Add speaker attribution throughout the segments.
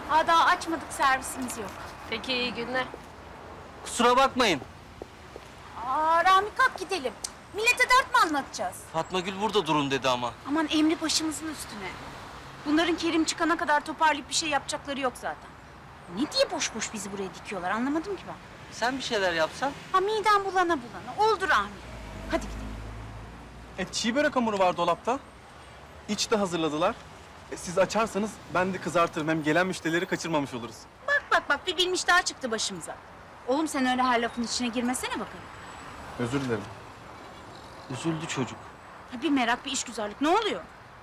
Speaker 1: Daha açmadık, servisimiz yok.
Speaker 2: Peki, iyi günler.
Speaker 3: Kusura bakmayın.
Speaker 1: Rami kalk gidelim. Millete dert mi anlatacağız?
Speaker 3: Fatma Gül burada durun dedi ama.
Speaker 1: Aman emri başımızın üstüne. Bunların Kerim çıkana kadar toparlayıp bir şey yapacakları yok zaten. Ne diye boş boş bizi buraya dikiyorlar anlamadım ki ben.
Speaker 3: Sen bir şeyler yapsan.
Speaker 1: Midem bulana bulana. Oldu Rami. Hadi gidelim.
Speaker 4: Çiğ börek hamuru var dolapta. İç de hazırladılar. Siz açarsanız ben de kızartırım. Hem gelen müşterileri kaçırmamış oluruz.
Speaker 1: Bak bir bilmiş daha çıktı başımıza. Oğlum sen öyle her lafın içine girmesene bakalım.
Speaker 4: Özür dilerim.
Speaker 3: Üzüldü çocuk.
Speaker 1: Bir merak bir işgüzarlık ne oluyor?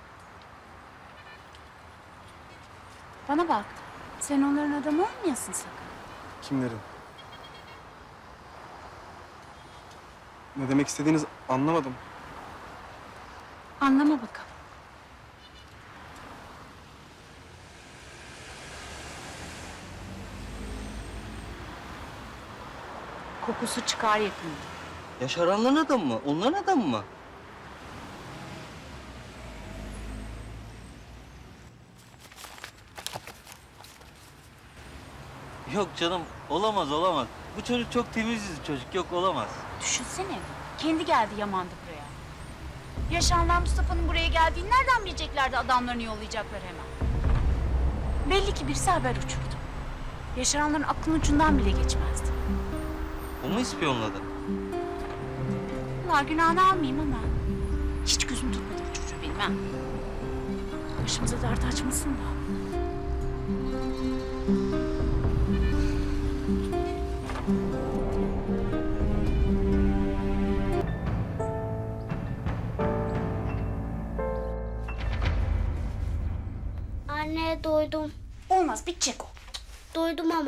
Speaker 1: Bana bak. Sen onların adamı olmayasın sakın.
Speaker 4: Kimlerin? Ne demek istediğinizi anlamadım.
Speaker 1: Anlama bakalım. Kokusu çıkar yakında.
Speaker 3: Yaşaranların adamı mı? Onların adamı mı? Yok canım, olamaz. Bu çocuk çok temiz yüzlü çocuk, yok olamaz.
Speaker 1: Düşünsene. Kendi geldi yamandı buraya. Yaşanlar Mustafa'nın buraya geldiğini nereden bileceklerdi adamlarını yollayacaklar hemen. Belli ki birisi haber uçurdu. Yaşaranların aklının ucundan bile geçmezdi.
Speaker 3: O mu ispiyonladı?
Speaker 1: Allah günahını almayayım ama hiç gözüm tutmadı bu çocuğu benim ha. Başımıza dert açmasın da.
Speaker 5: Anne doydum.
Speaker 1: Olmaz bitecek o.
Speaker 5: Doydum ama.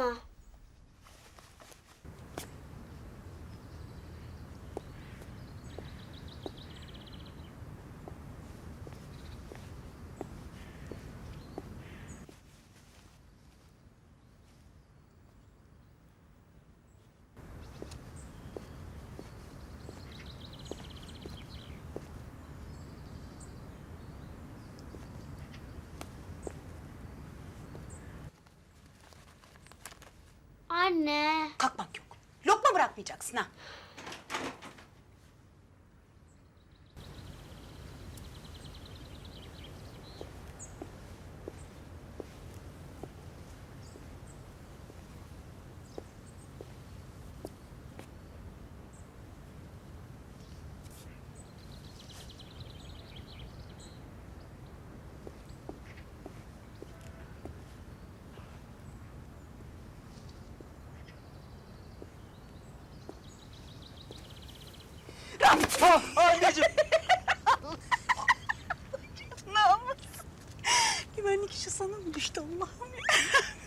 Speaker 5: Anne.
Speaker 1: Kalkmak yok. Lokma bırakmayacaksın ha.
Speaker 3: Anneciğim!
Speaker 1: Namus. Güvenlik işi sana mı düştü Allah'ım ya?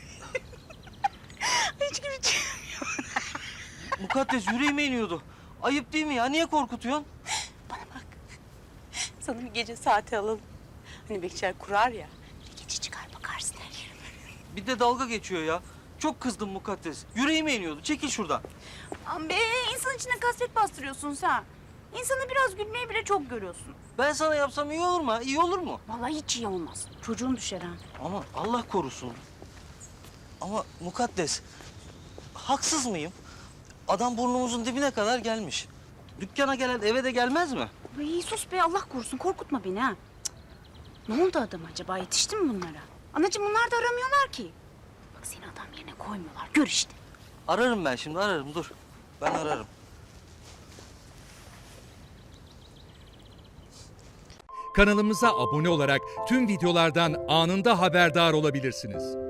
Speaker 1: Hiç güleceğim.
Speaker 3: Mukaddes yüreğime iniyordu. Ayıp değil mi ya? Niye korkutuyorsun?
Speaker 6: Bana bak. Sana bir gece saati alalım. Hani bekçiler kurar ya. Bir gece çıkar bakarsın her yerime.
Speaker 3: Bir de dalga geçiyor ya. Çok kızdım Mukaddes. Yüreğime iniyordu. Çekil şuradan.
Speaker 1: Aman be insan içine kasvet bastırıyorsun sen. İnsanı biraz gülmeyi bile çok görüyorsun.
Speaker 3: Ben sana yapsam iyi olur mu? İyi olur mu?
Speaker 1: Vallahi hiç iyi olmaz. Çocuğun düşer ha.
Speaker 3: Ama Allah korusun. Ama Mukaddes, haksız mıyım? Adam burnumuzun dibine kadar gelmiş. Dükkana gelen eve de gelmez mi?
Speaker 1: Ay sus be Allah korusun korkutma beni ha. Cık. Ne oldu adam acaba yetişti mi bunlara? Anacığım bunlar da aramıyorlar ki. Bak seni adam yerine koymuyorlar gör işte.
Speaker 3: Ararım ben şimdi, ararım. Dur. Ben ararım.
Speaker 7: Kanalımıza abone olarak tüm videolardan anında haberdar olabilirsiniz.